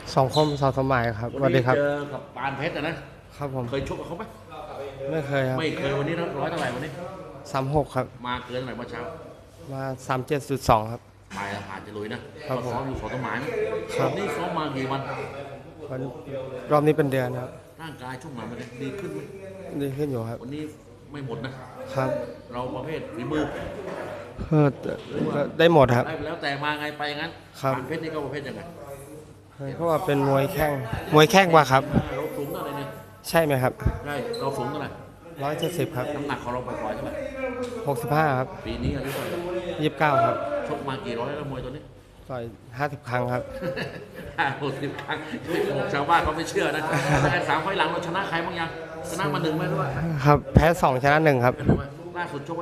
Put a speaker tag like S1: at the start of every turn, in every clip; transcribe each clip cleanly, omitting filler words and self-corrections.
S1: สองคมสองสมัยครับสวัสดีครับ
S2: เจอกับปานเพชรนะครับ
S1: ผม
S2: เคยชกกับเขาไหม
S1: ไม่เคยครับ
S2: ไม่เคยวันนี้ร้อยเท่าไหร่วันนี้
S1: 36ครับ
S2: มาเกินเท่าไหร่เมื่อเช้า
S1: มา37.2ครับ
S2: ไปแล้วผ่านจะลุยนะครับ
S1: ผม
S2: ซ้อมอยู่สองต้นไม้ไหม
S1: ครับ
S2: วันนี้ซ้อมมากี่วัน
S1: วันรอบนี้เป็นเดือนครับ
S2: ร่างกายช่วงหลังมันดีขึ้นไหม
S1: ดีขึ้นอยู่ครับ
S2: วันนี้ไม่หมดนะครับเราประเภทฝีมือ
S1: ก็ได้หมดครับ
S2: ได้แล้วแต่มาไงไปงั้น
S1: ครับ
S2: ปานเพชรนี่ก็ประเภทยังไง
S1: เพราะว่าเป็นมวยแข้งกว่าครับ
S2: เราสูงเท่าไหร่เนี่ย
S1: ใช่ไหมครับ
S2: ใช่เราสูงเท่าไหร่
S1: 170ครับ
S2: น้ำหนักของเราปล่อยๆเท่าไหร่
S1: 65ครับ
S2: ปีนี้อายุเท่าไหร่
S1: 29ครับ
S2: ชกมากี่ร้อยแล้วมวยตัวนี้
S1: ต่อย50ครั้งครับ
S2: 50 ครั้งบอกชาวบ้านเขาไม่เชื่อนะแต่3 ไฟล์หลังเราชนะใครบ้างยังชนะมา1ไหมด้วย
S1: ครับแพ้2ชนะ1ครับ
S2: ล่าสุดชกไว้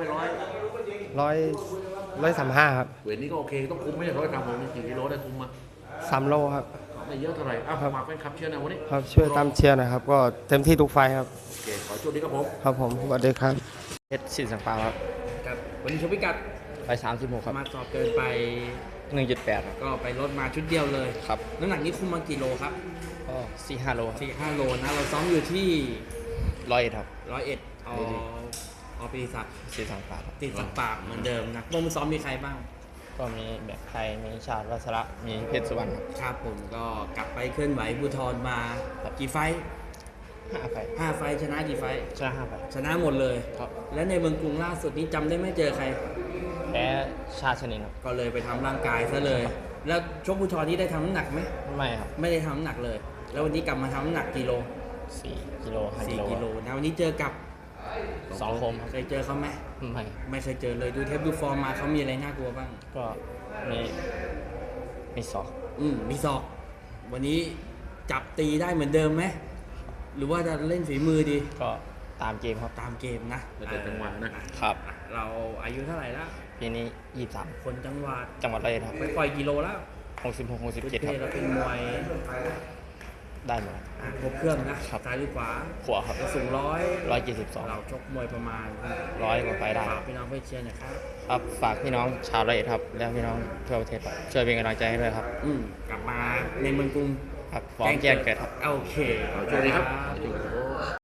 S1: 135ครับ
S2: เวทนี้ก็โอเคต้องคุมไม่ใช่100 กรัมผมกี่กิโลได้คุมมา
S1: 3 โลครับ
S2: ไม่เยอะเท่าไหร่ฝากแฟนคลับเชียร์นะวันนี้
S1: ครับช่วยตามเชียร์หนะครับก็เต็มที่ทุกไฟครับ
S2: โอเคขอโชคดีครับผม
S1: ครับผมสวัสดีครับเพชรสินสังปาครับ
S3: ครับวันนี้ชกพิกัด
S1: ไป36ครับ
S3: มาสอบเกินไป
S1: 1.8ครับ
S3: ก็ไปลดมาชุดเดียวเลย
S1: ครับ
S3: น้ำหนักนี้คุมมากี่โลครับ
S1: ก็4-5 โลครับ
S3: 4-5 โลนะเราซ้อมอยู่ที่
S1: 100ครับ
S3: 101ปีศักดิ์
S1: สินสังปาครับ
S3: ติดสักปากเหมือนเดิมนะวงมือซ้อมมีใครบ้าง
S1: ก็มีแบบไทยมีชาติวัชระมีเพชรสุวรรณครับ
S3: ครับผมก็กลับไปเคลื่อนไหวบูทรมากี่ไฟท์
S1: 5 ไฟ
S3: 5 ไฟท์ชนะกี่ไฟท์
S1: ชนะ5 ไฟ
S3: ชนะหมดเลย
S1: ครับ
S3: และในเมืองกรุงล่าสุดนี้จำได้ไม่เจอใคร
S1: แพ้ชาติชนินครับ
S3: ก็เลยไปทำร่างกายซะเลยแล้วชกบูทรนี้ได้ทำน้ำหนักไหม
S1: ไม่ครับ
S3: ไม่ได้ทำน้ำหนักเลยแล้ววันนี้กลับมาทำน้ำหนักกิโล
S1: 4 กิโล5
S3: 4 กิโลนะวันนี้เจอกับ
S1: 2 คม
S3: เคยเจอเขาไหมไม่เคยเจอเลยดูเทปดูฟอร์มมาเขามีอะไรน่ากลัวบ้าง
S1: ก็มีศอก
S3: มีศอกวันนี้จับตีได้เหมือนเดิมไหมหรือว่าจะเล่นฝีมือดี
S1: ก็ตามเกมครับ
S3: ตามเกมนะ
S2: เป็นจังหวะ
S3: นะครับเราอายุเท่าไหร่แล้ว
S1: ปีนี้23
S3: คนจังหวัด
S1: 100ครับ
S3: ไปปล่อยกิโลแล้ว
S1: 66 67ครับ
S3: แล้วเป็นมวย
S1: ได้หมด
S3: ครบเครื่องนะซ้ายหรือขวา
S1: ขวาครับ
S3: สูง
S1: 172
S3: เราชกมวยประมาณ
S1: 100 กว่าไฟได้
S3: ฝากพี่น้องเพื่อนเชียร์นะครับ
S1: ครับฝากพี่น้องชาว100ครับและพี่น้องทั่วประเทศครับช่วยเป็นกำลังใจให้ด้วยครับ
S3: กลับมาในเมืองกรุง
S1: ครับพร้อมแจ้งเกิดครับ
S3: โอเค
S2: ขอโชคดีครับ